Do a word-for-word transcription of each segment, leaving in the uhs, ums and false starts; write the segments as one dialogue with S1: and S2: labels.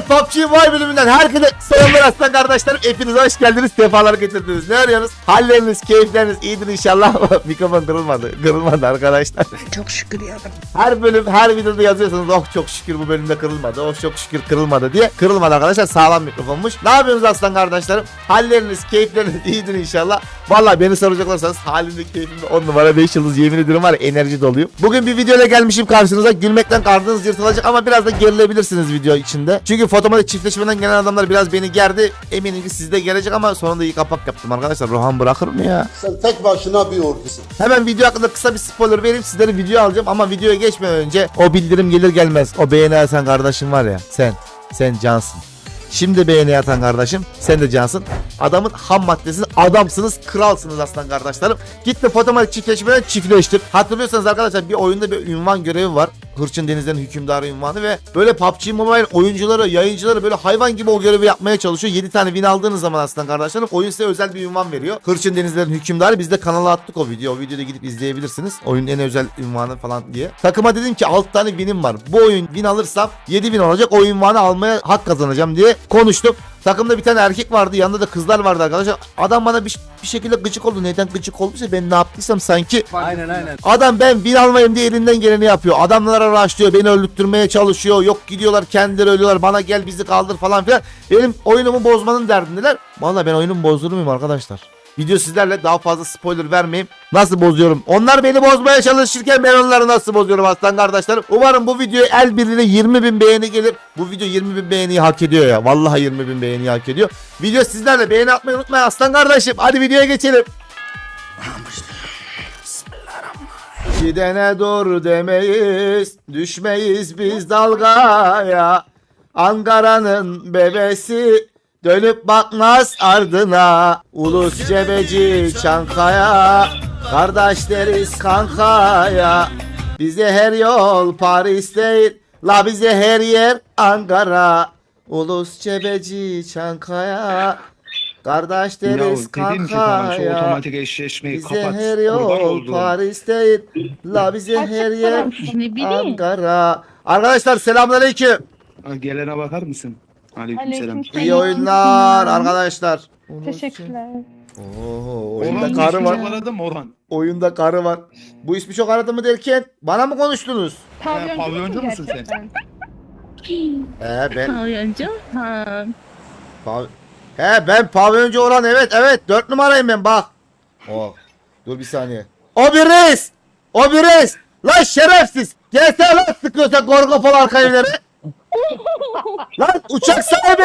S1: P U B G Mobile bölümünden herkese selamlar aslan kardeşlerim. Hepiniz hoş geldiniz. Sefalar getirdiniz. Ne arıyorsunuz? Halleriniz, keyifleriniz iyidir inşallah. Mikrofon kırılmadı. Kırılmadı arkadaşlar.
S2: Çok şükür ya.
S1: Her bölüm, her videoda yazıyorsunuz. Oh çok şükür bu bölümde kırılmadı. Oh çok şükür kırılmadı diye. Kırılmadı arkadaşlar. Sağlam mikrofonmuş. Ne yapıyorsunuz aslan kardeşlerim? Halleriniz, keyifleriniz iyidir inşallah. Vallahi beni soracaklarsanız halimde keyfimde on numara beş yıldız yemin ediyorum var ya, enerji doluyum. Bugün bir videoyla gelmişim karşınıza. Gülmekten karnınız yırtılacak ama biraz da gerilebilirsiniz video içinde. Çünkü fotomatik çiftleşmeden gelen adamlar biraz beni gerdi. Eminim ki sizde gelecek ama sonunda iyi kapak yaptım arkadaşlar. Rohan bırakır mı ya?
S3: Sen tek başına bir ordusun.
S1: Hemen video hakkında kısa bir spoiler vereyim, sizlere video alacağım ama videoya geçmeden önce o bildirim gelir gelmez o beğeni atan kardeşim var ya, sen sen cansın. Şimdi beğeni atan kardeşim sen de cansın. Adamın ham maddesiniz, adamsınız, kralsınız aslan kardeşlerim. Gitti fotomatik çiftleşmeden çiftleştir. Hatırlıyorsanız arkadaşlar bir oyunda bir ünvan görevi var. Hırçın Denizlerin Hükümdarı ünvanı ve böyle P U B G Mobile oyuncuları, yayıncıları böyle hayvan gibi o görevi yapmaya çalışıyor. yedi tane win aldığınız zaman aslan kardeşlerim oyun size özel bir ünvan veriyor. Hırçın Denizlerin Hükümdarı, biz de kanala attık o video. O videoda gidip izleyebilirsiniz. Oyunun en özel ünvanı falan diye. Takıma dedim ki altı tane win'im var. Bu oyun win alırsam yedi win olacak. O ünvanı almaya hak kazanacağım diye konuştuk. Takımda bir tane erkek vardı, yanında da kızlar vardı arkadaşlar. Adam bana bir, bir şekilde gıcık oldu. Neden gıcık olduysa ben ne yaptıysam sanki.
S2: Aynen aynen.
S1: Adam ben bin almayayım diye elinden geleni yapıyor. Adamlara raşlıyor, beni öldürtmeye çalışıyor. Yok gidiyorlar kendileri ölüyorlar. Bana gel bizi kaldır falan filan. Benim oyunumu bozmanın derdindeler. Vallahi ben oyunumu bozdurur muyum arkadaşlar? Video sizlerle, daha fazla spoiler vermeyeyim. Nasıl bozuyorum? Onlar beni bozmaya çalışırken ben onları nasıl bozuyorum aslan kardeşlerim? Umarım bu videoya el birliğiyle yirmi bin beğeni gelir. Bu video yirmi bin beğeniyi hak ediyor ya. Vallahi yirmi bin beğeniyi hak ediyor. Video sizlerle, beğeni atmayı unutmayın aslan kardeşim. Hadi videoya geçelim. Gidene dur demeyiz, düşmeyiz biz dalgaya. Ankara'nın bebesi dönüp bakmaz ardına. Ulus Cebeci Çankaya, kardeş deriz kankaya. Bize her yol Paris değil, la bize her yer Ankara. Ulus Cebeci Çankaya, kardeş deriz kankaya.
S2: Otomatik eşleşmeyi
S1: bize
S2: kapat.
S1: her
S2: Kurban
S1: yol
S2: olduğum.
S1: Paris değil, la bize her yer
S4: Ne bileyim.
S1: Ankara. Arkadaşlar selamünaleyküm.
S2: Ha, gelene bakar mısın? Aleykümselam.
S4: Aleykümselam.
S1: İyi oyunlar arkadaşlar.
S4: Teşekkürler.
S1: Oo, oyunda
S2: Orhan
S1: karı
S2: ismi
S1: var.
S2: çok aradım Orhan.
S1: Oyunda karı var. Bu ismi çok aradı mı derken bana mı konuştunuz?
S4: Pavyoncu,
S2: pavyoncu musun sen?
S4: gerçekten?
S1: He ben
S4: Pavyoncu? Ha.
S1: pav- He ben pavyoncu olan, evet evet dört numarayım ben bak. Oh. Dur bir saniye. O bir reis. O bir reis. Lan şerefsiz. Gelsene lan sıkıyorsa Gorgopol arka evleri. Lan uçak sahibi.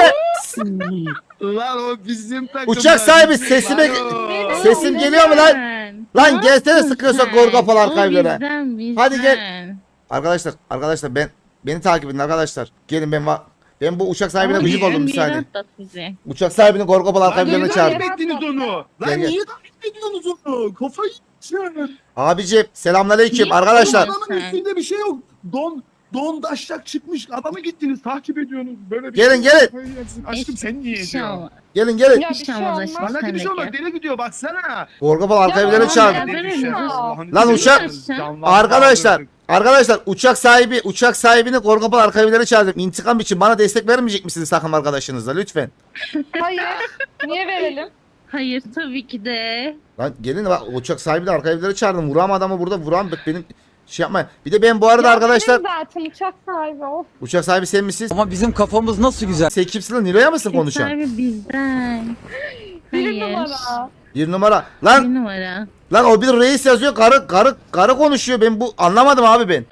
S2: Lan o bizim takım.
S1: Uçak sahibi sesime sesim geliyor mu lan? Lan gelsene sıkıyorsa Gorgopol arka evleri.
S4: Bizden, bizden.
S1: Hadi gel. Arkadaşlar, arkadaşlar ben beni takip edin arkadaşlar. Gelin ben va- ben bu uçak sahibine
S4: Ama
S1: gıcık oldum bir
S4: bizden
S1: saniye.
S4: atlat bizi.
S1: Uçak sahibini Gorgopal arka
S2: Lan niye
S1: evlerine
S2: takip
S1: çağırdım.
S2: ettiniz onu?
S1: Gel,
S2: Lan
S1: gel.
S2: niye takip ediyorsunuz onu? Kafayı yiyeceğim.
S1: Abicim selamünaleyküm
S4: Niye
S1: arkadaşlar.
S4: takip
S2: Adamın üstünde bir şey yok. Don Don daşlak çıkmış. Adamı gittiniz takip ediyorsunuz. Böyle bir
S1: Gelin,
S2: şey.
S1: gelin.
S2: Kafayı yersin. Aşkım sen niye ediyorsun?
S4: İnşallah.
S1: Gelin gelin.
S4: Bir şey olmaz aşkım.
S2: Bana
S4: sen
S2: bir
S4: de
S2: şey olmaz.
S4: gel.
S2: Deli gidiyor baksana.
S1: Gorgopal arka
S4: Ya,
S1: evlerine
S4: ya,
S1: çağırdım.
S4: ya.
S2: Ne düşer?
S4: Lan
S2: Allah'ın
S1: Lan
S2: izniyle.
S1: uçak-
S2: Canlar-
S1: Arkadaşlar, arkadaşlar uçak sahibi uçak sahibini Gorgopal arka evlerine çağırdım. İntikam için bana destek vermeyecek misiniz takım arkadaşınızla lütfen?
S5: Hayır. Niye verelim?
S4: Hayır tabii ki de.
S1: Lan gelin bak, uçak sahibi de arka evlere çağırdım. Vuram adamı burada, vuram bak benim şey yapmayın. Bir de ben bu arada
S5: Ya
S1: arkadaşlar
S5: benim zaten uçak sahibi o.
S1: uçak sahibi sen misin?
S6: Ama bizim kafamız nasıl güzel.
S1: Sen kimsin lan? Nilo'ya mısın
S4: Uçak
S1: konuşan?
S4: sahibi bizden.
S5: Bir
S4: Hayır.
S5: numara.
S1: Bir numara. Lan
S4: Bir numara.
S1: lan o bir reis yazıyor, karı karı karı konuşuyor. Ben bu anlamadım abi ben.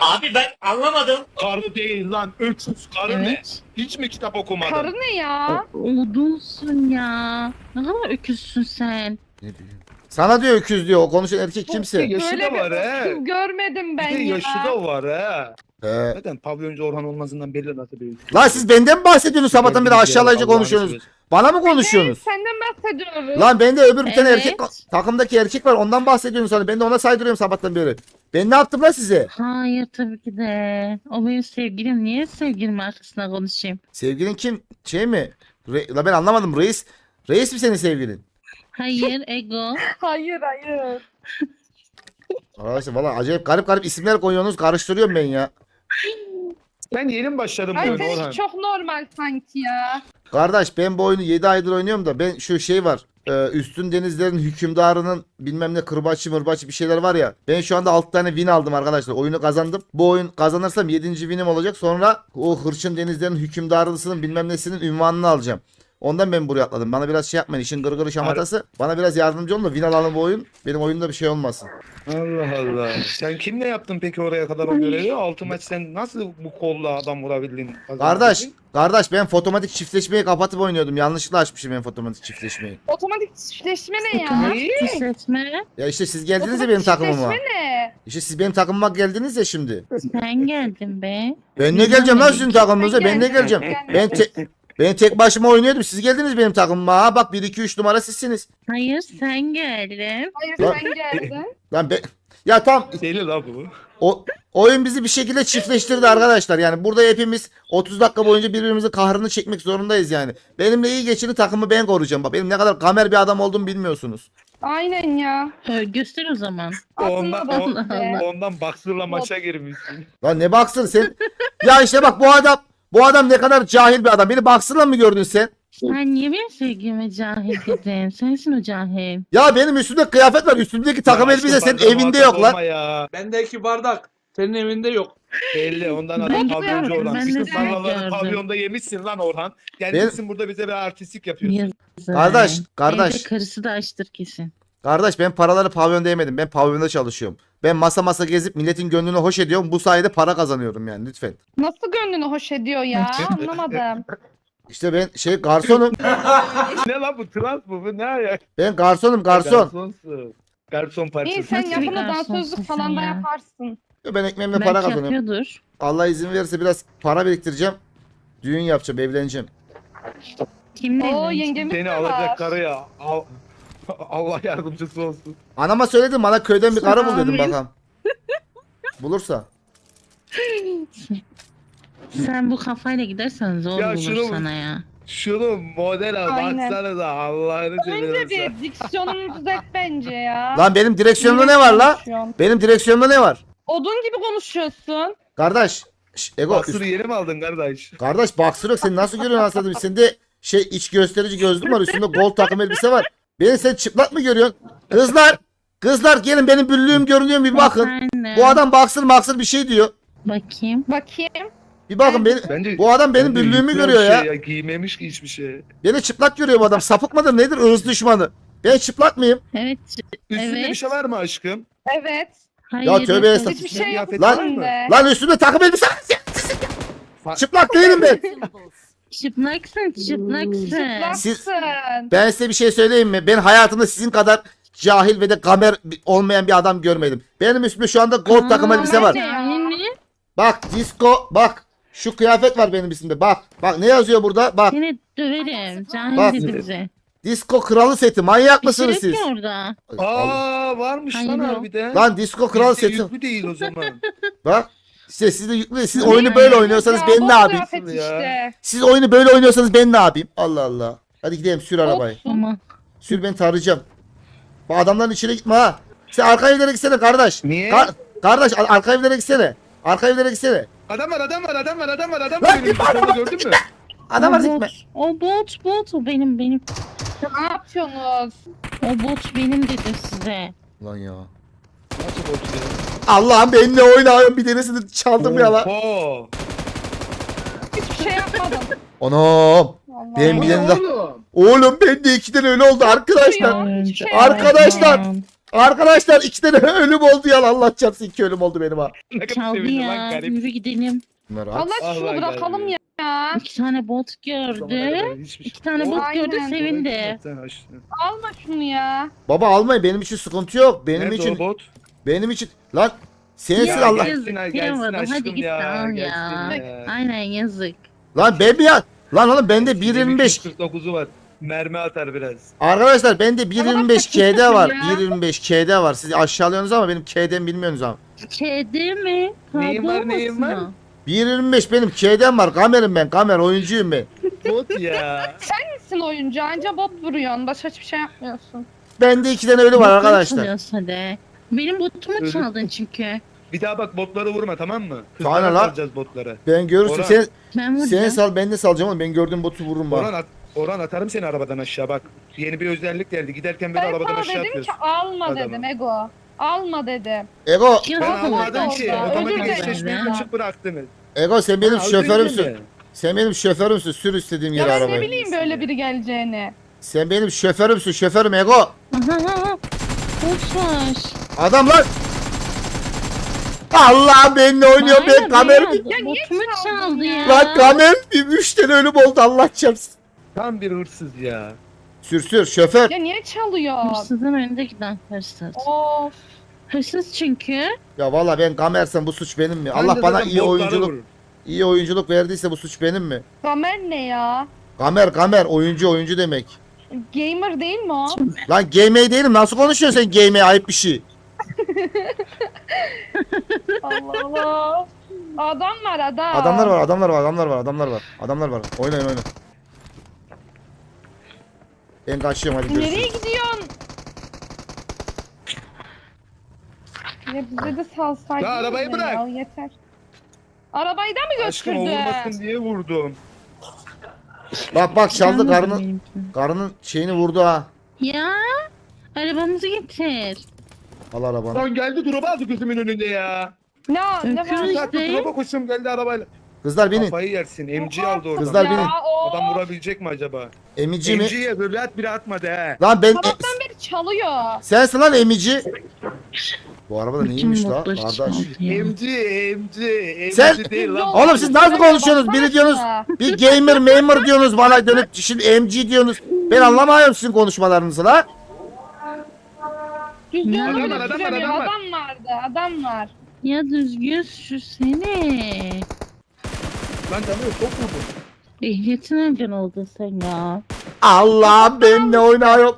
S2: Karı değil lan. Öksüz karı ne?
S4: Evet.
S2: Hiç mi kitap okumadın?
S5: Karı ne ya?
S4: Odunsun ya. Ne kadar öküzsün sen.
S1: Ne bileyim. Sana diyor öküz diyor. O konuşan erkek kimse.
S2: Yaşı
S5: Böyle
S2: da var
S5: bir
S2: he.
S5: kız görmedim ben
S2: Bir de
S5: ya.
S2: yaşı da var he.
S1: He.
S2: Zaten pavyoncu Orhan olmasından belli nasıl bir.
S1: Lan siz benden mi bahsediyorsunuz sabahtan beri aşağılayıcı
S2: Allah'ını
S1: konuşuyorsunuz?
S2: seversen.
S1: Bana mı konuşuyorsunuz?
S5: Senden bahsediyoruz.
S1: Lan bende öbür bir tane
S4: Evet.
S1: erkek takımdaki erkek var, ondan bahsediyorsunuz sana. Ben de ona saydırıyorum sabahtan beri. Ben ne yaptım lan size?
S4: Hayır tabii ki de. O benim sevgilim. Niye sevgilim arkasına konuşayım?
S1: Sevgilin kim? Şey mi? Re- la ben anlamadım, reis. Reis mi senin sevgilin?
S4: Hayır ego.
S5: Hayır hayır.
S1: Arkadaşlar valla acayip garip garip isimler koyuyorsunuz, karıştırıyorum ben ya.
S2: Ben yeni mi başladım bu
S5: Ay
S2: oyuna Orhan?
S5: seninki çok normal sanki ya.
S1: Kardeş ben bu oyunu yedi aydır oynuyorum da ben şu şey var. e, Üstün denizlerin hükümdarının bilmem ne kırbaçı mırbaçı bir şeyler var ya. Ben şu anda altı tane win aldım arkadaşlar. Oyunu kazandım. Bu oyun kazanırsam yedinci winim olacak. Sonra o hırçın denizlerin hükümdarlısının bilmem nesinin ünvanını alacağım. Ondan ben buraya atladım. Bana biraz şey yapmayın. İşin gırgırı şamatası. Bana biraz yardımcı olun da win alalım bu oyun. Benim oyunda bir şey olmasın.
S2: Allah Allah. Sen kimle yaptın peki oraya kadar o görevi? Altı maç sen nasıl bu kolla adam vurabildin?
S1: Kardeş, kardeş ben fotomatik çiftleşmeyi kapatıp oynuyordum. Yanlışlıkla açmışım ben fotomatik çiftleşmeyi.
S5: Otomatik çiftleşme ne ya?
S2: Ne?
S4: Seçme.
S1: Ya işte siz geldiniz ya
S5: Otomatik
S1: benim takımıma.
S5: çiftleşme ne?
S1: İşte siz benim takımıma geldiniz ya şimdi.
S4: Sen geldin be.
S1: Ben ne geleceğim lan sizin takımınıza? Ben ne
S5: Gel,
S1: geleceğim?
S5: gel,
S1: Ben
S5: gel.
S1: te- ben tek başıma oynuyordum. Siz geldiniz benim takımıma. Ha bak bir iki üç numara sizsiniz.
S4: Hayır sen geldin.
S5: Hayır
S1: Lan-
S5: sen geldin.
S1: Lan ben ya tam
S2: Deli la bu.
S1: o oyun bizi bir şekilde çiftleştirdi arkadaşlar. Yani burada hepimiz otuz dakika boyunca birbirimizin kahrını çekmek zorundayız yani. Benimle iyi geçini takımı ben koruyacağım. Bak benim ne kadar kamer bir adam olduğumu bilmiyorsunuz.
S5: Aynen ya.
S4: Ö, göster o zaman.
S2: Ondan,
S5: Aslında
S2: on,
S4: Allah Allah.
S2: ondan baksırla maça girmişsin.
S1: Lan ne baksın sen? Ya işte bak bu adam bu adam ne kadar cahil bir adam. Beni baksırla mı gördün sen?
S4: Sen niye benim sevgilime cahil dedin? Sensin o cahil.
S1: Ya benim üstümde kıyafet var. Üstümdeki takım
S2: Ya
S1: elbise
S2: aşkım,
S1: senin
S2: bardağım
S1: evinde
S2: muhatap
S1: yok lan.
S2: olma Ya.
S7: Bendeki bardak senin evinde yok.
S2: Belli ondan
S4: Ben
S2: adam
S4: de
S2: pavyoncu
S4: gördüm,
S2: Orhan.
S4: ben de
S2: Bütün
S4: seni
S2: paraları
S4: gördüm.
S2: pavyonda yemişsin lan Orhan. Gelmişsin burada bize bir artistik yapıyorsun.
S4: Yazık.
S1: Kardeş, kardeş.
S4: Evde karısı da açtır kesin.
S1: Kardeş ben paraları pavyonda yemedim. Ben pavyonda çalışıyorum. Ben masa masa gezip milletin gönlünü hoş ediyorum. Bu sayede para kazanıyorum yani lütfen.
S5: Nasıl gönlünü hoş ediyor ya? Anlamadım.
S1: İşte ben şey garsonum.
S2: Ne lan bu trans mı bu ne ayak?
S1: Ben garsonum garson.
S2: Garsonsun. Garson parçası.
S5: İyi sen
S4: Nasıl bir
S5: yakında
S4: garsonssun
S5: dansözlük
S4: sen
S5: falan da
S4: ya?
S5: yaparsın.
S1: Ben ekmeğimle para
S4: Belki
S1: kazanıyorum.
S4: yapıyordur.
S1: Allah izin verirse biraz para biriktireceğim. Düğün yapacağım, evleneceğim.
S4: Kimle
S5: Oo
S4: evleneceksin?
S5: yengemiz
S2: Seni
S5: de var.
S2: alacak karı ya. Al- Allah yardımcısı olsun.
S1: Anama söyledim bana köyden bir karı bul dedim
S5: Amin.
S1: bakalım. Bulursa.
S4: Sen bu kafayla gidersen zor
S2: Ya
S4: bulur
S2: şunu-
S4: sana ya.
S2: Şunu model al
S5: Aynen.
S2: baksana da Allah'ını
S5: Önce
S2: seversen.
S5: bir diksiyonunu düzelt bence ya.
S1: Lan benim direksiyonumda
S5: İyi
S1: ne var la?
S5: konuşuyorsun.
S1: Benim direksiyonumda ne var?
S5: Odun gibi konuşuyorsun.
S1: Kardeş. şş, Ego.
S2: Baksırı
S1: üst-
S2: yeni mi aldın kardeş?
S1: Kardeş baksır yok. Sen nasıl görüyorsun aslında? Sende şey iç gösterici gözlük var. Üstünde gold takım elbise var. Beni sen çıplak mı görüyorsun? Kızlar. Kızlar gelin benim büllüğüm görünüyor bir bakın.
S4: Efendim?
S1: Bu adam baksır maksır bir şey diyor.
S4: Bakayım.
S5: Bakayım.
S1: Bir bakın beni.
S2: Bence,
S1: Bu adam benim
S2: bence
S1: büllüğümü
S2: yüklü bir
S1: görüyor ya.
S2: şey Giymemiş ki hiçbir şey.
S1: Beni çıplak görüyor bu adam. Sapık mıdır nedir? Irz düşmanı. Ben çıplak mıyım?
S4: Evet.
S2: Üstünde
S4: Evet.
S2: bir şey var mı aşkım?
S5: Evet.
S4: Hayır.
S1: Ya tövbe
S4: yok.
S1: estağfurullah.
S5: Hiçbir şey yok
S2: Kıyafet
S1: Lan-
S2: var mı?
S5: üstünde.
S1: Lan üstümde takım elbise var.
S2: Fa-
S1: Çıplak değilim ben.
S4: Çıplaksın çıplaksın.
S1: Siz-
S5: Çıplaksın.
S1: Ben size bir şey söyleyeyim mi? Ben hayatımda sizin kadar cahil ve de gamer olmayan bir adam görmedim. Benim üstümde şu anda gold
S4: Aa,
S1: takım elbise var.
S5: bence ya.
S4: Yani
S1: Bak disco bak. Şu kıyafet var benim üstümde. Bak. Bak ne yazıyor burada? Bak.
S4: seni döverim. Cahil
S1: Bak.
S4: dedi bize.
S1: Disco kralı seti. Manyak
S4: Bir
S1: mısınız
S4: şey yok
S1: siz?
S4: ki orada.
S2: Aa varmış
S4: Hayır,
S2: lan
S4: yok.
S2: harbiden.
S1: Lan disco kral
S2: Bizde
S1: seti.
S2: yüklü değil o zaman.
S1: Bak. Size siz de yüklü. Siz
S4: Ne?
S1: oyunu böyle oynuyorsanız
S5: Ya,
S1: ben
S5: bot
S1: ne yapayım?
S5: kıyafet
S2: Ya.
S5: işte.
S1: Siz oyunu böyle oynuyorsanız ben ne yapayım? Allah Allah. Hadi gidelim sür arabayı.
S4: Ama
S1: Sür beni tarayacağım. Bu adamların içine gitme ha. Sen arka evlere gitsene kardeş.
S2: Niye?
S1: Ka- kardeş ar- arka evlere gitsene. Arka evlere gitsene.
S2: Adam var adam var adam var adam var adam
S1: Lan
S2: var. Benim üstümde gördün mü?
S1: Adam
S4: o
S1: var
S4: bot.
S1: gitme.
S4: O bot bot o benim benim.
S5: Ne yapıyorsunuz?
S4: O bot benim dedim size.
S1: Lan ya.
S2: Nasıl korkuyor?
S1: Allah'ım benimle oynuyorum bir tanesini çaldım ya lan.
S2: Oho.
S5: Hiçbir şey yapmadım.
S1: Anam.
S5: Allah
S1: Benim
S5: Allah.
S1: bir tane daha. Oğlum ben de iki tane ölü oldu arkadaşlar.
S5: Ya, hiçbir şey
S1: Arkadaşlar.
S4: Aman.
S1: Arkadaşlar iki tane ölüm oldu ya. Allah çarpsın iki ölüm oldu benim ha.
S2: Ne kadar
S4: Çaldı
S2: sevindim lan
S4: ya.
S2: garip.
S4: Yürü gidelim.
S1: Bunlar
S5: Allah şunu
S2: Allah
S5: bırakalım
S2: geldi.
S5: ya.
S4: İki tane bot gördü.
S2: Hiçbir
S4: İki tane bot
S5: Aynen.
S4: gördü sevindi.
S2: Sen açtın.
S5: Alma şunu ya.
S1: Baba almayın benim için sıkıntı yok. Benim
S2: Nerede
S1: için
S2: o bot?
S1: benim için lan sensin
S4: Ya,
S1: Allah.
S4: yazık,
S2: Gelsin, gelsin
S4: kıyamadım.
S2: aşkım
S4: Hadi git
S2: ya,
S4: al ya.
S2: gelsin ya.
S4: Aynen yazık.
S1: Lan ben bir ya. Lan oğlum bende bir yirmi beş.
S2: kırk dokuzu var. Mermi atar biraz.
S1: Arkadaşlar bende bir yirmi beş K'de var.
S5: Ya.
S1: bir yirmi beş K'de var. Siz aşağılıyorsunuz ama benim K'den bilmiyorsunuz ama.
S4: Kedi mi?
S2: Neyin var,
S4: Tabu
S2: neyin
S4: musun
S2: var?
S4: o?
S1: bir yirmi beş benim K'den var. Kamerim ben. Kamer oyuncuyum ben.
S2: Bot ya.
S5: Sen oyuncu anca bot vuruyorsun. Başka hiçbir şey yapmıyorsun.
S1: Bende iki tane ölü var
S4: Botumu
S1: arkadaşlar.
S4: çalıyorsun hadi. Benim botumu
S2: Öyle-
S4: çaldın çünkü.
S2: Bir daha bak botları vurma tamam mı?
S1: Sana
S2: Kızlara
S1: lan.
S2: salacağız botları.
S1: Ben görürsün
S2: Orhan.
S1: sen
S4: Ben vuracağım.
S1: seni sal ben de salacağım oğlum. Ben gördüğüm botu vururum
S2: Orhan,
S1: bak.
S2: at, Orhan atarım seni arabadan aşağı bak. Yeni bir özellik geldi. Giderken beni
S5: Ben
S2: arabadan
S5: sana
S2: aşağı
S5: dedim
S2: atıyorsun.
S5: ki alma
S2: Adamı.
S5: dedim Ego. Alma dedim.
S1: Ego,
S4: Ya,
S2: Ben
S4: baba,
S2: anladım ki
S5: orada,
S2: otomatik
S5: özür
S2: eşleşmeyi
S5: dilerim.
S2: açık bıraktınız.
S1: Ego sen benim
S2: Ha, özür
S1: şoförümsün.
S2: dilerim.
S1: Sen benim şoförümsün. Sür istediğim
S5: Ya
S1: yere
S5: ben ne
S1: arabayı.
S5: bileyim böyle biri geleceğini.
S1: Sen benim şoförümsün. Şoförüm Ego.
S4: Aha aha. Boşver.
S1: Adam lan. Allah benimle oynuyor. Ben
S4: Hayır,
S1: kamer
S4: ya,
S1: bir...
S5: Ya niye
S4: botumu
S5: çaldın
S4: çaldı
S5: ya?
S4: ya.
S1: Lan kamer bir üç tane ölüm oldu Allah çarpsın.
S2: Tam bir hırsız ya.
S1: Sür sür şoför.
S5: Ya niye çalıyor?
S4: Hırsızın önünde giden hırsız.
S5: Of.
S4: Hırsız çünkü.
S1: Ya valla ben kamersem bu suç benim mi?
S2: Ben
S1: Allah
S2: de
S1: bana
S2: zaten
S1: iyi
S2: botları
S1: oyunculuk
S2: vururum.
S1: iyi oyunculuk verdiyse bu suç benim mi?
S5: Gamer ne ya?
S1: Kamer kamer oyuncu oyuncu demek.
S5: Gamer değil mi o?
S1: Lan gamey değilim. Nasıl konuşuyorsun sen gamey? Ayıp bir şey.
S5: Allah Allah. Adam var adam.
S1: Adamlar var, adamlar var, adamlar var, adamlar var. Adamlar var. Oynayın oynayın. Ben kaçıyorum hadi
S5: Nereye
S1: görüşürüz.
S5: gidiyorsun? Ya bize de salsaydın.
S2: Ya arabayı
S5: ya,
S2: bırak.
S5: yeter. Arabayı da mı
S2: Aşkım o
S5: götürdü?
S2: vurmasın diye vurdum.
S1: Bak bak çaldı
S4: Çalmadı
S1: karının
S4: benimkini.
S1: karının şeyini vurdu ha.
S4: Ya. Arabamızı getir.
S1: Al arabanı.
S2: Lan geldi drop'a aldı gözümün önünde ya.
S5: Ne, ne
S4: Öküz.
S5: var?
S4: İşte.
S2: Saat drop'a koştum geldi arabayla.
S1: Kızlar binin.
S2: Kafayı yersin. M G aldı oradan.
S1: Kızlar
S5: Ya,
S1: binin.
S5: o.
S2: Adam vurabilecek mi acaba?
S1: Emici mi?
S2: M G'ye böyle at bile atmadı he.
S1: Lan ben e,
S5: Sabahtan beri çalıyor.
S1: sensin lan emici. Bu araba da neymiş
S4: Bütün
S1: la
S4: modları
S1: kardeş?
S4: çaldı ya.
S2: M G, M G, M G
S1: Sen-
S2: değil lan.
S1: Oğlum siz nasıl konuşuyorsunuz? Biri diyorsunuz bir gamer memur diyorsunuz bana dönüp şimdi M G diyorsunuz. Ben anlamıyorum sizin konuşmalarınızı la.
S5: Düzgün
S4: Adam
S5: bile
S2: var, adam var,
S5: süremiyor.
S2: adam var.
S5: Adam vardı, adam var.
S4: Ya düzgün sürsene.
S2: Lan tanıyor çok vurdum.
S4: Ehliyetin nereden oldun sen ya?
S1: Allah benimle oynuyor.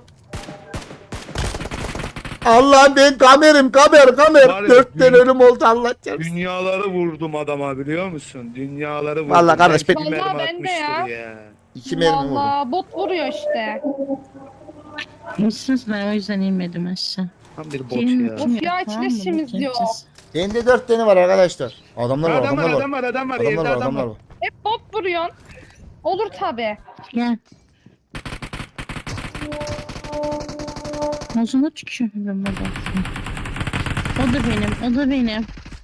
S1: Allah ben kamerim kamer kamer.
S2: Var ya,
S1: Dört tane
S2: dün-
S1: ölüm oldu Allah çarpsın.
S2: Dünyaları vurdum adama biliyor musun? Dünyaları vurdum.
S1: Vallahi kardeş,
S2: Belki
S5: ben-
S2: bir mermi
S5: Vallahi ben de
S2: atmıştır
S5: ya.
S2: ya.
S1: İki mermi vurdu.
S5: Valla bot vuruyor işte.
S4: Hırsız ben o yüzden inmedim aşağı.
S2: Tam bir bot
S4: Gelin
S2: ya.
S4: kim
S5: Of ya,
S4: yok,
S5: hiç
S4: tamam mı?
S5: leşimiz
S4: Bakayım
S5: yok.
S4: siz.
S1: Bende dört tane var arkadaşlar. Adamlar var
S2: Adam var,
S1: adamlar var.
S2: adam var, adam var.
S1: Adamlar
S2: Evde
S1: var
S2: adam
S1: adamlar
S2: var.
S1: var.
S5: Hep bot vuruyorsun. Olur tabi.
S4: Gel. Ağzına tükürürüm ben. O da benim, o da benim.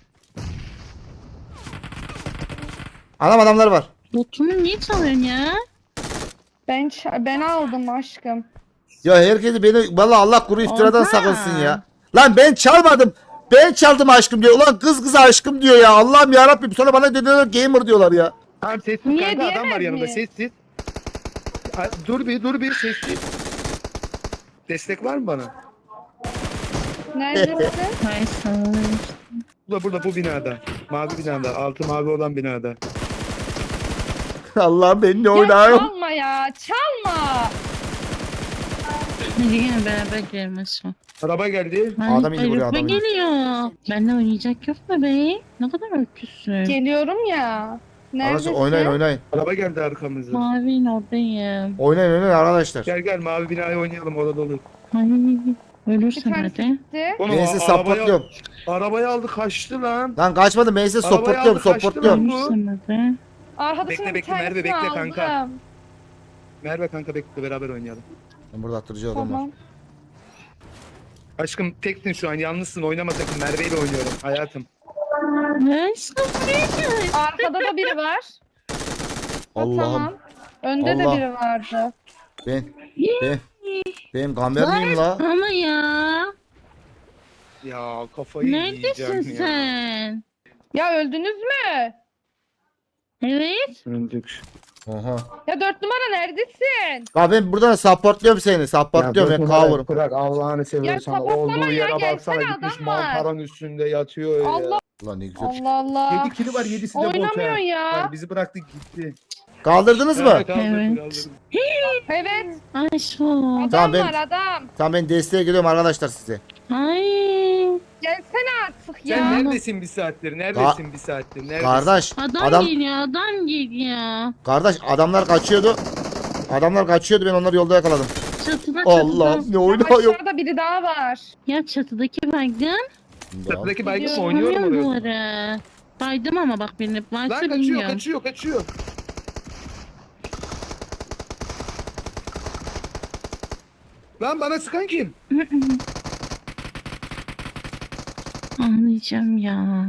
S1: Anam adamlar var.
S4: Botumu niye çalıyorsun ya?
S5: Ben ç- ben aldım aşkım.
S1: Ya herkesi beni vallahi Allah kuru iftiradan
S4: Oha.
S1: sakınsın ya. Lan ben çalmadım. Ben çaldım aşkım diyor. Ulan kız kıza aşkım diyor ya. Allah'ım ya Rabbim. Sonra bana dediler gamer diyorlar ya.
S2: Tamam sessiz
S5: Niye
S2: kanka adam var
S5: diyemez
S2: yanımda
S5: mi?
S2: sessiz. Ha, dur bir dur bir sessiz. Destek var mı bana?
S5: Neredesin?
S4: Hayır sana.
S2: Burada burada bu binada. Mavi binada. Altı mavi olan binada.
S1: Allah'ım benimle
S5: ya
S1: oynuyor.
S5: çalma ya, çalma.
S4: Hadi gel beraber girelim aşağı.
S2: Araba geldi.
S4: Ay,
S1: Adam indi buraya,
S4: Araba
S1: adam indi.
S4: geliyor. Benimle oynayacak yok mu be? Ne kadar öküzsün.
S5: Geliyorum ya.
S1: Arkadaşlar
S5: Neredesin?
S1: oynayın oynayın.
S2: Araba geldi arkamıza.
S4: Mavi'nin oradayım.
S1: Oynayın oynayın arkadaşlar.
S2: Gel gel mavi binaya oynayalım orada olur.
S4: Ay,
S5: Bir
S4: ölürsen
S5: tanesi
S4: hadi.
S5: gitti.
S2: Oğlum,
S1: Ben sizi
S2: a- arabayı-
S1: supportluyorum.
S2: Arabayı aldı kaçtı lan.
S1: Lan kaçmadım ben sizi
S2: Arabayı
S1: supportluyorum
S2: aldı, kaçtı
S1: supportluyorum.
S2: lan.
S4: Ölürsen hadi.
S5: Arkadaşımın
S2: Bekle, bekle,
S5: bir
S2: Merve,
S5: tanesini
S2: bekle kanka.
S5: aldım.
S2: Merve kanka bekle beraber oynayalım.
S1: Ben burada attırıcı adam var.
S5: Tamam.
S2: Aşkım teksin şu an yalnızsın oynama sakın. Merve ile oynuyorum hayatım.
S4: Ay, sıfır.
S5: Arkada da biri var. Ha,
S1: Allah'ım.
S5: Tamam. Önde
S1: Allah.
S5: de biri vardı.
S1: Ben ben benim kamer miyim la?
S4: Ama ya.
S2: Ya kafayı
S4: Neredesin
S2: yiyeceğim ya.
S4: sen?
S5: Ya öldünüz mü?
S4: Evet.
S2: Öldük.
S1: Oha.
S5: Ya dört numara neredesin?
S1: Ya ben buradan supportluyorum seni. Supportluyorum ben cover'ım.
S2: Bırak Allah'ını seviyorsan.
S5: sapatlama
S2: Olduğu
S5: ya,
S2: yere
S5: gelsene,
S2: baksana gitmiş
S5: adam var.
S2: mantaranın üstünde yatıyor ya.
S5: Allah
S1: Ulan ne güzel.
S5: Allah Allah.
S2: Yedi kili var yedisi de bot.
S5: Oynamıyor
S2: ha.
S5: ya.
S2: Hayır, bizi bıraktı gitti.
S1: Kaldırdınız mı?
S2: Evet. kaldırdı,
S4: Evet.
S2: kaldırdı.
S5: Evet.
S4: Ay şu.
S5: Adam
S1: Tamam, ben-
S5: var adam.
S1: Tamam ben desteğe geliyorum arkadaşlar size.
S4: Ay.
S5: Gelsene artık
S2: Sen
S5: ya.
S2: neredesin bir saattir? Neredesin bir saattir? Neredesin?
S1: Kardeş
S4: Adam,
S1: adam
S4: geliyor, adam geliyor.
S1: kardeş adamlar kaçıyordu. Adamlar kaçıyordu ben onları yolda yakaladım.
S4: Çatıda
S1: Allah
S4: çatıda.
S1: ne oynuyor.
S5: Aşağıda biri daha var.
S4: Ya çatıdaki baygın.
S1: Bunu da al.
S2: Çatıdaki baygın mı
S4: Gidiyorum,
S2: oynuyorum
S4: vuruyorum
S2: oraya?
S4: duvara. Baydım ama bak beni. Varsa
S2: Lan kaçıyor
S4: bilmiyorum.
S2: kaçıyor kaçıyor. Lan bana sıkan kim?
S4: Anlayacağım ya.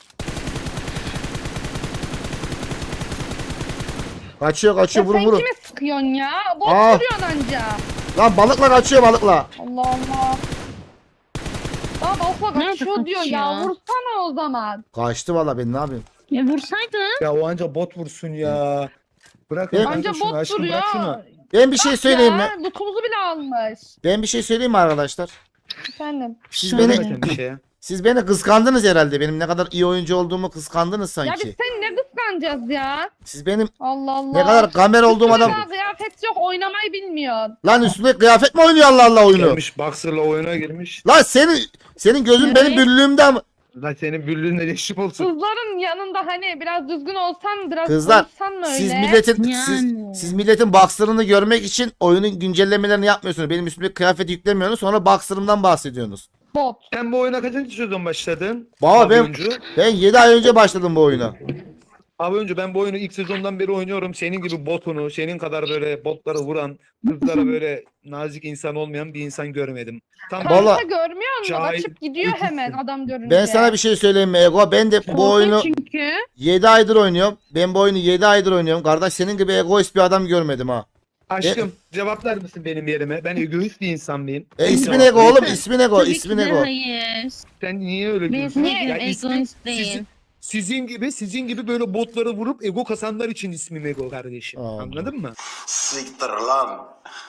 S1: Kaçıyor kaçıyor
S5: Ya
S1: vurun
S5: sen
S1: vurun.
S5: kime sıkıyorsun ya? Bot
S1: Aa.
S5: vuruyorsun anca.
S1: Lan balıkla kaçıyor balıkla.
S5: Allah Allah. Aa balıkla
S4: Nerede
S5: kaçıyor diyor ya.
S4: kaçıyor?
S5: Vursana o zaman.
S1: Kaçtı valla ben ne yapayım?
S4: Ya vursaydın.
S2: Ya o anca bot vursun ya. Bırakın
S1: Ben-
S2: kanka
S5: Anca
S2: şunu
S5: bot
S2: aşkım
S5: vuruyor.
S2: bırak şunu.
S1: Ben bir şey söyleyeyim mi?
S5: Ya lootumuzu bile almış.
S1: Ben bir şey söyleyeyim mi arkadaşlar?
S5: Efendim.
S1: Siz
S4: Şöyle.
S1: beni
S2: Söyleme bir şey ya.
S1: siz beni kıskandınız herhalde. Benim ne kadar iyi oyuncu olduğumu kıskandınız
S5: Ya biz
S1: sanki.
S5: seni ne kıskanacağız ya?
S1: Siz benim
S5: Allah Allah.
S1: ne kadar kamer olduğum
S5: Üstüne
S1: adam.
S5: daha kıyafet yok oynamayı bilmiyorsun.
S1: Lan üstüne kıyafet mi oynuyor Allah Allah oyunu?
S2: Gelmiş boxer'la oyuna girmiş.
S1: Lan senin senin gözün
S4: Evet.
S1: benim büllüğümde mi?
S2: Lan senin büllüğünle leşip olsun.
S5: Kızların yanında hani biraz düzgün olsan biraz
S1: Kızlar,
S5: konuşsan mı öyle?
S1: Siz milletin
S4: Yani.
S1: siz, siz milletin boxer'ını görmek için oyunun güncellemelerini yapmıyorsunuz. Benim üstüme kıyafeti yüklemiyorsunuz. Sonra boxer'ımdan bahsediyorsunuz.
S5: Bot.
S2: Sen bu oyuna kaçıncı sezon başladın?
S1: Baba
S2: Abi
S1: ben
S2: oyuncu.
S1: ben yedi ay önce başladım bu oyuna.
S2: Abi önce ben bu oyunu ilk sezondan beri oynuyorum. Senin gibi botunu, senin kadar böyle botları vuran, kızlara böyle nazik insan olmayan bir insan görmedim. Tam
S5: Kanka
S1: Valla-
S5: görmüyor musun?
S2: Cahil
S5: Açıp gidiyor
S2: öküzsün.
S5: hemen adam görünce.
S1: Ben sana bir şey söyleyeyim mi Ego? Ben de bu
S4: Korkun
S1: oyunu
S4: çünkü.
S1: yedi aydır oynuyorum. Ben bu oyunu yedi aydır oynuyorum. Kardeş senin gibi egoist bir adam görmedim ha.
S2: Aşkım cevaplar mısın benim yerime? Ben egoist bir insan mıyım?
S1: E,
S2: Sen
S1: ismin
S2: cevap
S1: Ego
S2: ver.
S1: oğlum, ismin Ego,
S4: Tabii ki
S1: ismin
S4: de
S1: Ego.
S4: hayır.
S2: Sen niye öyle
S4: Ben
S2: diyorsun?
S4: sevgilim
S2: Ya ismin-
S4: egoist değil.
S2: sizin, sizin gibi sizin gibi böyle botları vurup ego kasanlar için ismim Ego kardeşim.
S1: Aa.
S2: Anladın mı?
S3: Siktir lan.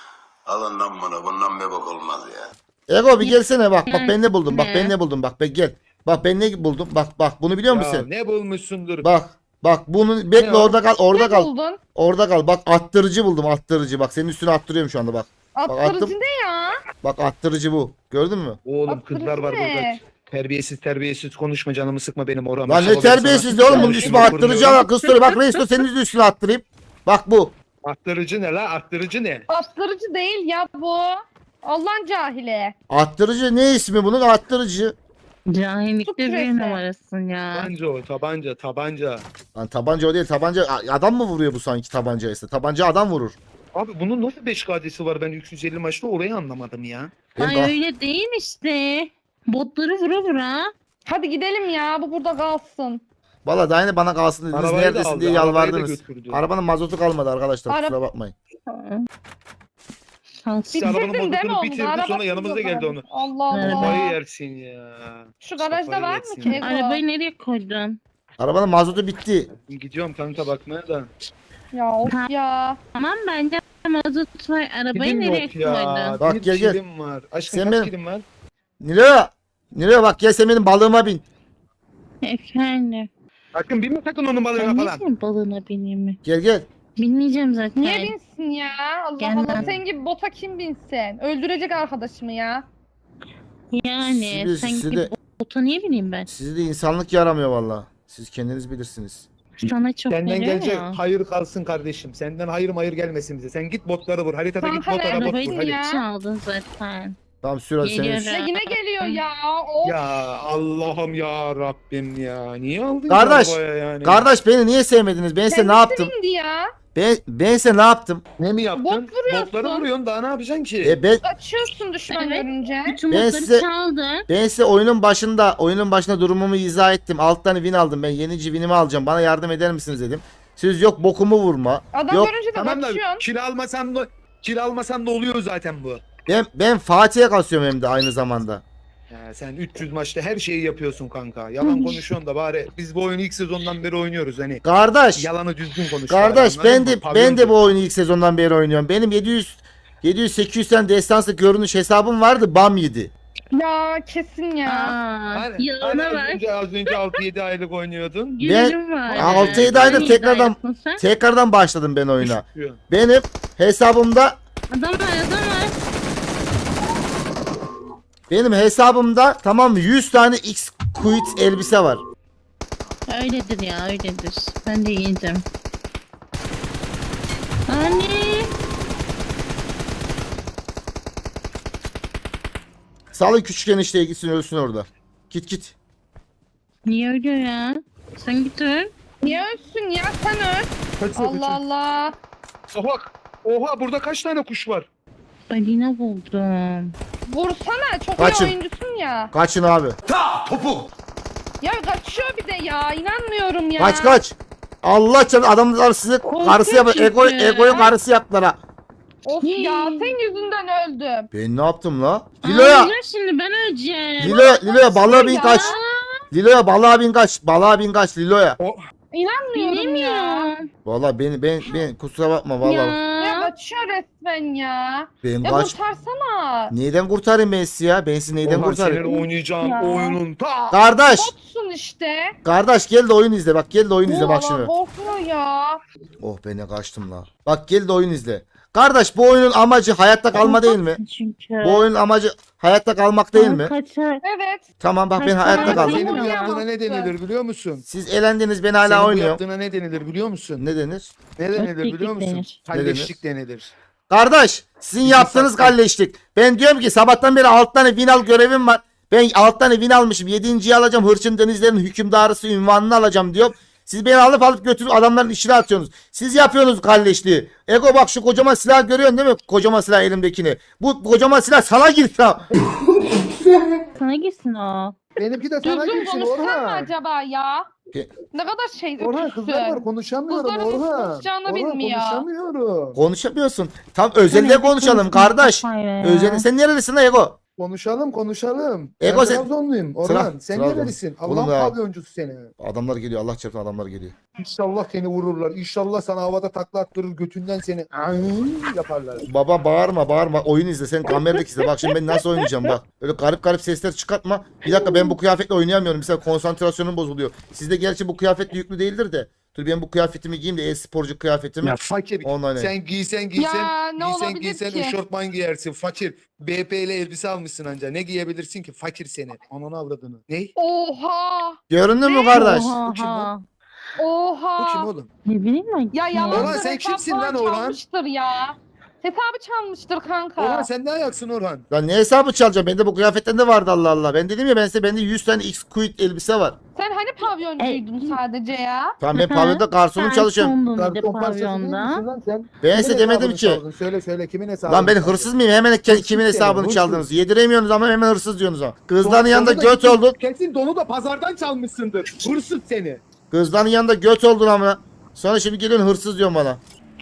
S3: Alın lan bunu. Bundan bir bok olmaz ya.
S1: Ego bir gelsene bak bak ben ne buldum bak
S4: Ne?
S1: ben ne buldum bak ben gel. Bak ben ne buldum bak bak bunu biliyor
S2: Ya
S1: musun?
S2: ne bulmuşsundur?
S1: Bak bak bunu bekle
S2: Ne o?
S1: orada kal orada
S5: Ne
S1: kal.
S5: buldun?
S1: Orada kal bak attırıcı buldum attırıcı bak senin üstüne attırıyorum şu anda bak.
S5: Attırıcı
S1: attım.
S5: ne ya?
S1: Bak attırıcı bu gördün mü?
S2: Oğlum
S5: Attırıcı
S2: kızlar var
S5: ne?
S2: burada. Terbiyesiz terbiyesiz konuşma canımı sıkma benim oram.
S1: Lan ne terbiyesiz oğlum bunun ismi attırıcı ama kız soruyor bak reis senin de üstüne attırayım. Bak bu.
S2: Attırıcı ne la? Attırıcı ne?
S5: Attırıcı değil ya bu. Allah'ın cahili.
S1: Attırıcı ne ismi bunun attırıcı.
S4: Cahillikte
S5: Su küresi.
S4: bir numarasın ya.
S2: Tabanca o tabanca tabanca.
S1: Lan tabanca o değil tabanca adam mı vuruyor bu sanki tabanca ise tabanca adam vurur.
S2: Abi bunun nasıl beş kadesi var ben üç yüz elli maçta orayı anlamadım ya.
S1: Ben
S4: Ay
S1: bak-
S4: öyle değil işte. Botları vura vura.
S5: Hadi gidelim ya bu burada kalsın.
S1: Valla daha yine bana kalsın dediniz
S2: Arabayı da
S1: neredesin
S2: aldı,
S1: diye
S2: arabayı da
S1: yalvardınız.
S2: götürdü.
S1: Arabanın mazotu kalmadı arkadaşlar
S5: Ara-
S1: kusura bakmayın.
S4: Şanslı.
S2: Biz arabanın
S5: Bitirdin değil mi
S2: mazotunu
S5: onu?
S2: bitirdi,
S5: Arabasız
S2: sonra yanımıza
S5: o
S2: geldi
S5: zaman.
S2: onu.
S5: Allah
S4: Evet.
S2: Kafayı
S5: Allah.
S2: yersin ya.
S5: Şu garajda
S2: Kafayı
S5: var mı
S2: yersin
S5: ki
S2: ya.
S5: Ego?
S4: Arabayı nereye koydun?
S1: Arabanın mazotu bitti.
S2: Gidiyorum kanka bakmaya da.
S5: Ya of ya.
S4: Tamam bende mazot var. Arabayı
S2: Kilim
S4: nereye
S2: yok ya.
S4: koydun?
S1: Bak
S2: bir
S1: gel, gel.
S2: kilim var. Aşkım
S1: Sen
S2: kaç
S1: benim-
S2: kilim var?
S1: Nilo. Nilo bak gel sen benim balığıma bin.
S4: Efendim.
S2: Sakın binme sakın onun balığına
S4: Ben
S2: falan.
S4: ne balığına bineyim mi?
S1: Gel gel.
S4: Binmeyeceğim zaten.
S5: Niye binsin ya? Allah
S4: Gelmem.
S5: Allah. Sen gibi bota kim binsin? Öldürecek arkadaşımı ya.
S4: Yani
S1: Sizi-
S4: sen
S1: sizi
S4: gibi
S1: de-
S4: bota niye bineyim ben?
S1: Sizi de insanlık yaramıyor valla. Siz kendiniz bilirsiniz.
S4: Sana çok
S2: Senden
S4: veriyor
S2: gelecek
S4: ya.
S2: hayır kalsın kardeşim. Senden hayır hayır gelmesin bize. Sen git botları vur. Haritada git
S5: Kanka
S2: bot ara bot
S4: Arabayı
S2: vur
S5: neredesin
S2: hadi.
S5: ya?
S4: çaldın zaten.
S1: Tamam sür hadi
S4: Geliyorum.
S1: senin.
S5: Ya yine geliyor ya. Of.
S2: Ya Allah'ım ya Rabbim ya. Niye aldın
S1: Kardeş,
S2: ki arabaya yani?
S1: Kardeş beni niye sevmediniz? Ben size ne
S5: Kendisi
S1: yaptım?
S5: indi ya.
S1: Ben, ben size ne yaptım?
S2: Ne mi yaptın?
S5: Bot vuruyorsun.
S2: Botları vuruyorsun daha ne yapacaksın ki?
S1: E ben,
S5: Açıyorsun düşman
S4: Evet.
S5: görünce.
S4: Bütün
S1: Ben
S4: botları
S1: size-
S4: çaldın.
S1: ben size oyunun başında oyunun başında durumumu izah ettim. Alt tane win aldım. Ben yenici winimi alacağım. Bana yardım eder misiniz dedim. Siz yok bokumu vurma.
S5: Adam
S1: Yok
S5: görünce de
S2: Tamam da
S5: kaçıyorsun.
S2: kil almasam da kil almasam da oluyor zaten bu.
S1: ben ben Fatih'e kasıyorum hem de aynı zamanda.
S2: Ya sen üç yüz maçta her şeyi yapıyorsun kanka. Yalan konuşuyorsun da bari biz bu oyunu ilk sezondan beri oynuyoruz hani.
S1: Kardeş,
S2: Yalanı düzgün konuş.
S1: kardeş
S2: bari,
S1: ben
S2: anladın
S1: de
S2: mı?
S1: ben
S2: Pavyoncu.
S1: de bu oyunu ilk sezondan beri oynuyorum. Benim yedi yüz yedi yüz sekiz yüz tane destansı görünüş hesabım vardı. Bam yedi.
S5: Ya kesin ya.
S4: Aa,
S2: Hani, hani
S4: yalana
S2: az
S4: bak.
S2: önce, az önce altı yedi aylık oynuyordun.
S4: Gülerim var.
S1: altı yedi aydır
S4: Hangi
S1: tekrardan-
S4: iddiaysın sen?
S1: Tekrardan başladım ben oyuna.
S2: Düşüyor.
S1: Benim hesabımda
S4: Adam var adam var.
S1: benim hesabımda tamam mı yüz tane X quit elbise var.
S4: Öyledir ya öyledir. Ben de yiyeceğim. Anne.
S1: Salın küçük enişteye gitsin ölsün orada. Git git.
S4: Niye ölüyor ya? Sen git öl.
S5: Niye ölsün ya sen öl.
S2: Kaçıyor,
S5: Allah
S2: kaçıyor.
S5: Allah.
S2: Oha. Oha burada kaç tane kuş var?
S4: Balina buldum.
S5: Vursana çok
S1: Kaçın.
S5: iyi oyuncusun ya.
S1: Kaçın abi.
S5: Ya kaçıyor bir de ya inanmıyorum ya.
S1: Kaç kaç. Allah canım adamlar sizi
S4: Korkunç
S1: karısı yap.
S4: çünkü.
S1: Ego, egoyu karısı yaptılar ha.
S5: Of ya sen yüzünden öldüm.
S1: Ben ne yaptım la? Lilo'ya.
S4: Aa, şimdi ben öleceğim.
S1: Lilo'ya Lilo'ya balığa bin
S5: Ya.
S1: kaç. Lilo'ya balığa bin kaç. Balığa bin kaç Lilo'ya.
S5: İnanmıyorum ya.
S4: Bilemiyorum.
S1: Valla ben ben ben kusura bakma valla.
S5: Ya
S4: Ya.
S5: kaçıyor resmen ya.
S1: Ben
S5: Ya
S1: kaç.
S5: kurtarsana.
S1: Neyden kurtarayım ben sizi ya? Ben sizi neyden
S2: Orhan
S1: kurtarayım?
S2: senin oynayacağın
S4: Ya.
S2: oyunun ta.
S1: Kardeş.
S5: Botsun işte.
S1: Kardeş gel de oyun izle. Bak gel de oyun izle bak
S5: Valla
S1: şimdi.
S5: korkuyor ya.
S1: Oh ben ne kaçtım la. Bak gel de oyun izle. Kardeş bu oyunun amacı hayatta kalma değil mi?
S4: Çünkü.
S1: Bu oyunun amacı hayatta kalmak değil mi?
S4: Kaçar.
S5: Evet.
S1: Tamam bak ben
S4: Kaçar.
S1: hayatta kaldım.
S2: Senin bu
S5: Ya.
S2: yaptığına ne denilir biliyor musun?
S1: Siz elendiniz ben hala
S2: Senin bu
S1: oynuyorum.
S2: yaptığına ne denilir biliyor musun?
S1: Ne denir?
S2: Ne denilir
S4: Öteklik
S2: biliyor musun?
S4: denir.
S2: Kalleşlik denilir.
S1: Kardeş sizin
S2: Bizi
S1: yaptığınız
S2: sakla.
S1: kalleşlik. Ben diyorum ki sabahtan beri alt tane win al görevim var. Ben alt tane win almışım. Yedinciyi alacağım. Hırçın denizlerin hükümdarısı ünvanını alacağım diyorum. Siz beni alıp alıp götürüp adamların işine atıyorsunuz. Siz yapıyorsunuz kalleşliği. Ego bak şu kocaman silah görüyorsun değil mi? Kocaman silah elimdekini. Bu kocaman silah sana girdi ha.
S4: Sana gitsin o.
S2: Benimki de sana
S5: Düzgün
S2: girsin
S5: konuşsan mı
S2: Orhan.
S5: acaba ya?
S1: Ke-
S5: Ne kadar şey
S2: Orhan
S5: öküzsün.
S2: kızlar var konuşamıyorum
S5: Kızların nasıl
S2: Orhan.
S5: konuşacağını
S2: Orhan
S5: bilmiyor.
S2: konuşamıyorum.
S1: Konuşamıyorsun. Tam özelde
S4: Sen
S1: konuşalım
S4: evde
S1: kardeş.
S4: kafayla ya.
S1: Özelde. Sen nerelisin lan Ego?
S2: Konuşalım konuşalım.
S1: Ego
S2: ben
S1: sen-
S2: Trabzonluyum Orhan.
S1: Trabzon-
S2: sen
S1: Trabzon.
S2: nerelisin?
S1: Oğlum
S2: Allah'ın
S1: ya.
S2: pavyoncusu seni.
S1: Adamlar geliyor. Allah çarpsın adamlar geliyor.
S2: İnşallah seni vururlar. İnşallah sana havada takla attırır götünden seni "Ayy" yaparlar.
S1: Baba bağırma bağırma. Oyun izle. Sen kameradaki izle. Bak şimdi ben nasıl oynayacağım bak. Öyle garip garip sesler çıkartma. Bir dakika ben bu kıyafetle oynayamıyorum. Mesela konsantrasyonum bozuluyor. Sizde gerçi bu kıyafetle yüklü değildir de. Dur ben bu kıyafetimi giyeyim de e-sporcu kıyafetimi.
S2: Ya fakir.
S1: Online.
S2: Sen giysen giysen
S5: Ya, ne
S2: giysen
S5: olabilir
S2: giysen
S5: ki?
S2: eşofman giyersin. Fakir. B P ile elbise almışsın anca. Ne giyebilirsin ki? Fakir seni. Ananı avradını. Ne?
S5: Oha.
S1: Göründün mü kardeş?
S5: Oha.
S2: Bu kim lan?
S5: Oha.
S2: Bu kim oğlum?
S4: Ne bileyim ben.
S5: Ya
S4: kim
S5: yalan
S2: Orhan, sen kimsin lan Orhan?
S5: Çalmıştır ya. Hesabı çalmıştır kanka.
S2: Orhan sen ne ayaksın Orhan?
S1: Lan ne hesabı çalacağım? Bende bu kıyafetten de vardı Allah Allah. Ben dedim ya ben size bende yüz tane X-Quid elbise var.
S5: Sen hani pavyoncuydun sadece ya?
S1: Tamam ben
S4: Hı hı.
S1: pavyonda garsonum çalışıyorum.
S4: Bir de
S2: Karton parçası değil misin
S4: pavyonda.
S2: lan sen?
S1: Ben
S2: Kimin
S1: size demedim
S2: hesabını
S1: ki.
S2: çaldın? Söyle söyle kimin hesabını
S1: Lan ben
S2: çaldın?
S1: hırsız mıyım? Hemen ke-
S2: Hırsız
S1: kimin
S2: seni,
S1: hesabını
S2: hırsız.
S1: çaldınız? Yediremiyorsunuz ama hemen hırsız diyorsunuz ama. Kızların
S2: Don-
S1: yanında
S2: donu da
S1: göt
S2: kesin-
S1: oldun.
S2: Kesin donu da pazardan çalmışsındır. Hırsız seni.
S1: Kızların yanında göt oldun ama. Sonra şimdi geliyorsun hırsız diyorsun bana.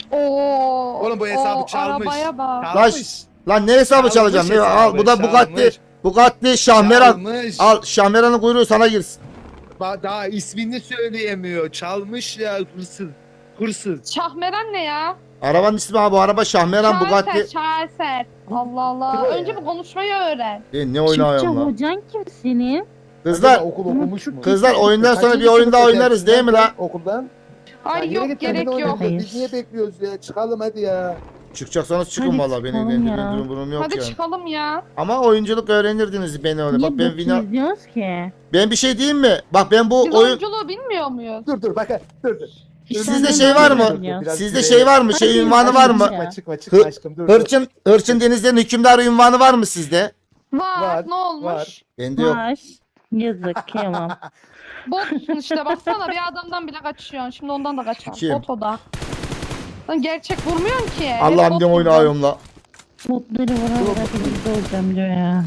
S5: Oo.
S2: Oğlum bu hesabı
S5: o
S2: çalmış.
S5: Arabaya bak.
S2: Çalmış.
S1: Lan ne hesabı
S2: Çalmış
S1: çalacağım? Ne?
S2: hesabı,
S1: Al bu da Bugatti.
S2: çalmış.
S1: Bugatti Şahmeran.
S2: Çalmış.
S1: Al Şahmeran'ın kuyruğu sana girsin.
S2: Ba- Daha ismini söyleyemiyor. Çalmış ya hırsız. Hırsız.
S5: Şahmeran ne ya?
S1: Arabanın ismi abi bu araba Şahmeran Bugatti.
S5: Şaheser, şaheser. Allah Allah.
S2: Kim o
S5: Önce
S2: ya?
S5: bu konuşmayı öğren.
S1: Ben ne
S4: Türkçe
S1: oynuyorum lan?
S4: hocan kim senin?
S1: Kızlar
S2: Acaba okul okumuş mu?
S1: kızlar oyundan sonra bir
S2: Kaçıncı
S1: oyun daha
S2: sınıfta
S1: oynarız değil mi
S2: gelsin
S1: lan?
S2: Okuldan.
S5: Ay
S2: Ya yürü
S5: yok
S2: git,
S5: gerek
S2: kendine
S5: yok.
S2: oynayın. Biz
S4: Hayır.
S2: niye bekliyoruz ya? Çıkalım hadi ya.
S1: Çıkacaksanız çıkın
S4: Hadi
S1: valla benim
S4: çıkalım
S1: benim
S4: ya.
S1: durum durum yok
S5: Hadi
S1: yani.
S5: çıkalım ya.
S1: Ama oyunculuk öğrenirdiniz beni öyle.
S4: Niye
S1: Bak ben
S4: bot
S1: vina...
S4: izliyoruz ki?
S1: Ben bir şey diyeyim mi? Bak ben bu
S5: Biz
S1: oyun
S5: oyunculuğu bilmiyor muyuz?
S2: Dur dur bak dur dur.
S1: Sizde
S4: Sen
S1: şey
S4: de
S1: var
S4: ne
S1: mı?
S4: biliyorsun?
S1: Sizde şey var mı? Şey
S4: Hadi
S1: ünvanı var mı?
S2: Çıkma çıkma çıkma
S1: Hı-
S2: aşkım dur. dur.
S1: Hırçın Hırçın denizlerin hükümdarı ünvanı var mı sizde?
S5: Var.
S2: Var,
S5: Ne olmuş?
S2: var.
S1: Bende yok.
S4: Var. Yazık kıyamam.
S5: Botsun işte baksana bir adamdan bile kaçıyorsun. Şimdi ondan da kaçar.
S1: Kim?
S5: Bot o da. Lan gerçek vurmuyorsun ki. Hep
S1: Allah'ım
S5: bot
S1: ne
S5: vuracaksın.
S1: oynuyorum la.
S4: Botları vura vura birlikte olacağım diyor ya.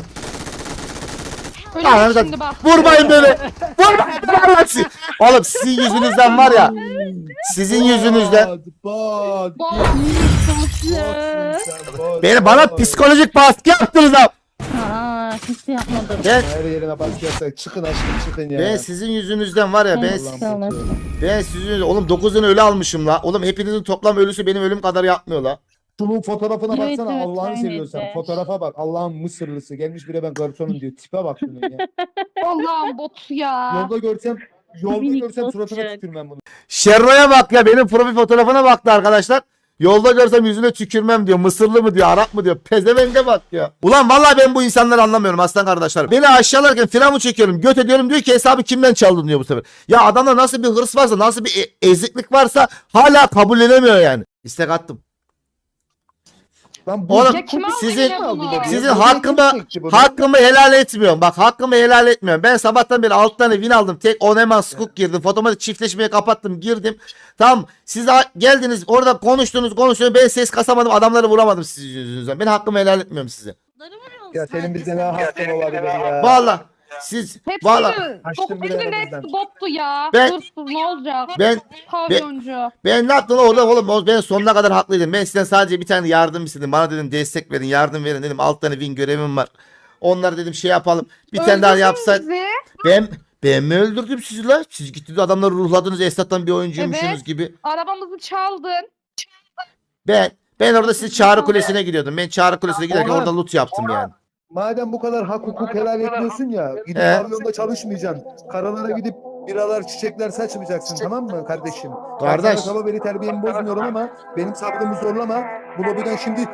S5: Öyle
S1: Ananı
S5: mi
S1: da-
S5: şimdi bak.
S1: Vurmayın beni. Vurmayın vallahi siz- Oğlum sizin yüzünüzden var ya. Sizin yüzünüzden.
S2: Bot, bot.
S5: Bot.
S2: Botsun sen, bot,
S1: Beni bana
S2: bot.
S1: psikolojik baskı yaptınız ha.
S4: Aa hiç yapmadım.
S1: Ben
S2: Her yerine baskı yapsak çıkın aşkım çıkın ya.
S1: ben sizin yüzünüzden var ya ben
S4: Evet,
S2: Allah'ım
S4: sağ
S2: botsun.
S4: olasın.
S1: ben sizin yüzünüzden- oğlum dokuz tane ölü almışım la. Oğlum hepinizin toplam ölüsü benim ölüm kadar yapmıyor la.
S2: Şunun fotoğrafına
S4: Evet,
S2: baksana
S4: evet,
S2: Allah'ını
S4: öyleydi.
S2: seviyorsan. Fotoğrafa bak Allah'ın Mısırlısı. Gelmiş bire ben garsonum diyor. Tipe bak şunun ya.
S5: Allah'ım bot ya.
S2: Yolda görsem yolda
S4: Minik
S2: görsem suratına
S4: botçuk.
S2: tükürmem bunu.
S1: Şerro'ya bak ya benim profil fotoğrafına baktı arkadaşlar. Yolda görsem yüzüne tükürmem diyor. Mısırlı mı diyor, Arap mı diyor. Pezevenge bak ya. Ulan vallahi ben bu insanları anlamıyorum aslan kardeşler. Beni aşağılarken firavun çekiyorum. Göt ediyorum diyor ki hesabı kimden çaldın diyor bu sefer. Ya adamda nasıl bir hırs varsa, nasıl bir e- eziklik varsa hala kabul edemiyor yani. İstek attım.
S2: Lan bu
S1: Oğlum
S5: Ya kim aldı
S1: sizin
S5: yine bunu?
S1: sizin
S2: Ya, bu
S1: hakkımı
S2: niye çekti bunu?
S1: hakkımı helal etmiyorum. Bak hakkımı helal etmiyorum. Ben sabahtan beri altı tane win aldım. Tek Oneman Scoop girdim. Fotomatik çiftleşmeye kapattım. Girdim. Tamam. Siz de geldiniz orada konuştunuz konuştunuz. Ben ses kasamadım. Adamları vuramadım sizin yüzünüzden. Ben hakkımı helal etmiyorum size.
S2: Ya senin bizde ne hakkın olabilir ya.
S1: Vallahi siz
S5: Hepsi
S1: vallahi
S2: Açtım bile
S5: Hepsinin
S2: aramızdan.
S5: hepsi bottu ya.
S1: Ben-
S5: Hırsız ne olacak?
S1: ben
S5: Pavyoncu.
S1: ben ne yaptım orada oğlum? Ben sonuna kadar haklıydım. Ben sizden sadece bir tane yardım istedim. Bana dedim destek verin, yardım verin dedim. Alt tane win görevim var. Onları dedim şey yapalım. Bir tane daha
S5: Öldürdün
S1: yapsak.
S5: bizi.
S1: Ben ben mi öldürdüm sizi la? Siz gittiniz adamları ruhladınız. Esnaftan bir oyuncuymuşsunuz
S5: Evet.
S1: gibi.
S5: Arabamızı çaldın.
S1: Ben ben orada siz Çağrı Kulesi'ne gidiyordum. Ben Çağrı Kulesi'ne giderken
S2: Orhan,
S1: orada loot yaptım yani.
S2: Madem bu kadar hak hukuk helal etmiyorsun ya, gidip
S1: He.
S2: pavyonda çalışmayacaksın. Karalara gidip biralar, çiçekler saçmayacaksın, tamam mı kardeşim?
S1: Kardeş.
S2: Ben sana sabah beri terbiyemi bozmuyorum ama benim sabrımı zorlama. Bu lobiden şimdi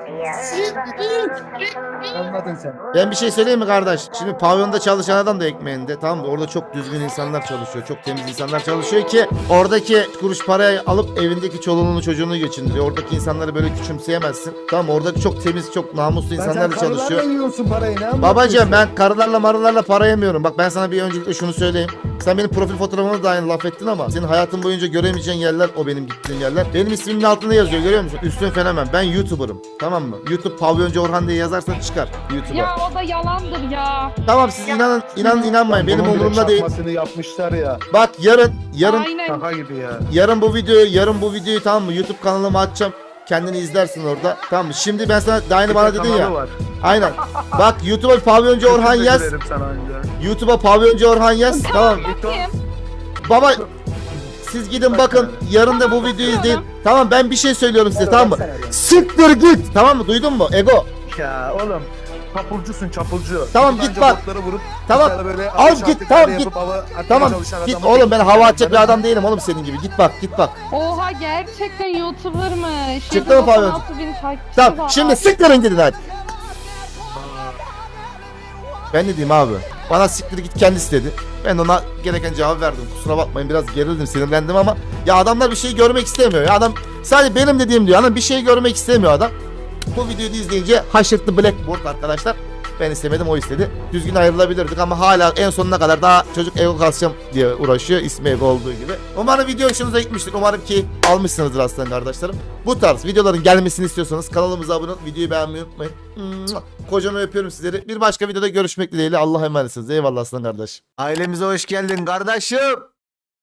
S2: anladın sen.
S1: Ben bir şey söyleyeyim mi kardeş? Şimdi pavyonda çalışan adam da ekmeğinde, tamam mı? Orada çok düzgün insanlar çalışıyor. Çok temiz insanlar çalışıyor ki oradaki kuruş parayı alıp evindeki çoluğunu çocuğunu geçindiriyor. Oradaki insanları böyle küçümseyemezsin. Tamam mı? Oradaki çok temiz, çok namuslu
S2: Lan
S1: insanlar
S2: sen
S1: çalışıyor.
S2: karılarla yiyorsun parayı, ne anlatıyorsun?
S1: Babacığım ben karılarla marılarla para yemiyorum. Bak ben sana bir öncelikle şunu söyleyeyim. Sen benim profil fotoğrafıma da aynı laf ettin ama senin hayatın boyunca göremeyeceğin yerler o benim gittiğim yerler. Benim ismimin altında yazıyor, görüyor musun? Üstün fenomen. Ben YouTuber'ım. Tamam mı? YouTube Pavyoncu Orhan diye yazarsan çıkar YouTube'a.
S5: Ya o da yalandır ya.
S1: Tamam siz inanın inanın inanmayın. Benim
S2: Bunun bile
S1: umurumda değil.
S2: çakmasını yapmışlar ya.
S1: Bak yarın yarın
S5: Aynen.
S2: Şaka gibi ya.
S1: yarın bu videoyu yarın bu videoyu tamam mı? YouTube kanalıma atacağım. Kendini izlersin orada. Tamam mı? Şimdi ben sana daha yeni bana dedin ya.
S2: Var.
S1: Aynen. Bak YouTube'a Pavyoncu Orhan
S2: Teşekkür
S1: yaz.
S2: ederim sana önce.
S1: YouTube'a Pavyoncu Orhan yaz. Tamam.
S5: Bakayım.
S1: Baba siz gidin bakın yarın da bu videoyu izleyin. Tamam ben bir şey söylüyorum size tamam mı? Siktir git. Tamam mı? Duydun mu? Ego.
S2: Ya oğlum çapulcusun çapulcu.
S1: Tamam,
S2: Gidip
S1: git
S2: anca
S1: bak.
S2: botları vurup
S1: Tamam,
S2: bir tane böyle
S1: al
S2: ateş
S1: git,
S2: attıkları
S1: tamam,
S2: yapıp
S1: git.
S2: hava atmaya
S1: Tamam
S2: çalışan
S1: git
S2: adamı-
S1: oğlum ben hava atacak bir adam değilim oğlum senin gibi. Git bak git bak.
S5: Oha gerçekten YouTuber'mış.
S1: Çıktı mı pavyon?
S5: doksan altı bin takipçisi
S1: Tamam
S5: var.
S1: şimdi siktirin gidin hadi. Ben ne diyeyim abi? Bana siktir git kendisi dedi. Ben ona gereken cevap verdim. Kusura bakmayın biraz gerildim sinirlendim ama ya adamlar bir şey görmek istemiyor. Ya adam sadece benim dediğim diyor. Adam bir şey görmek istemiyor adam. Bu videoyu da izleyince haşırttı Blackboard arkadaşlar. Ben istemedim o istedi. Düzgün ayrılabilirdik ama hala en sonuna kadar daha çocuk ego kasacağım diye uğraşıyor. İsmi ego olduğu gibi. Umarım video hoşunuza gitmiştir. Umarım ki almışsınızdır aslan kardeşlerim. Bu tarz videoların gelmesini istiyorsanız kanalımıza abone olup videoyu beğenmeyi unutmayın. Kocaman öpüyorum sizleri. Bir başka videoda görüşmek dileğiyle. Allah'a emanetsiniz. Eyvallah aslan kardeş. Ailemize hoş geldin kardeşim.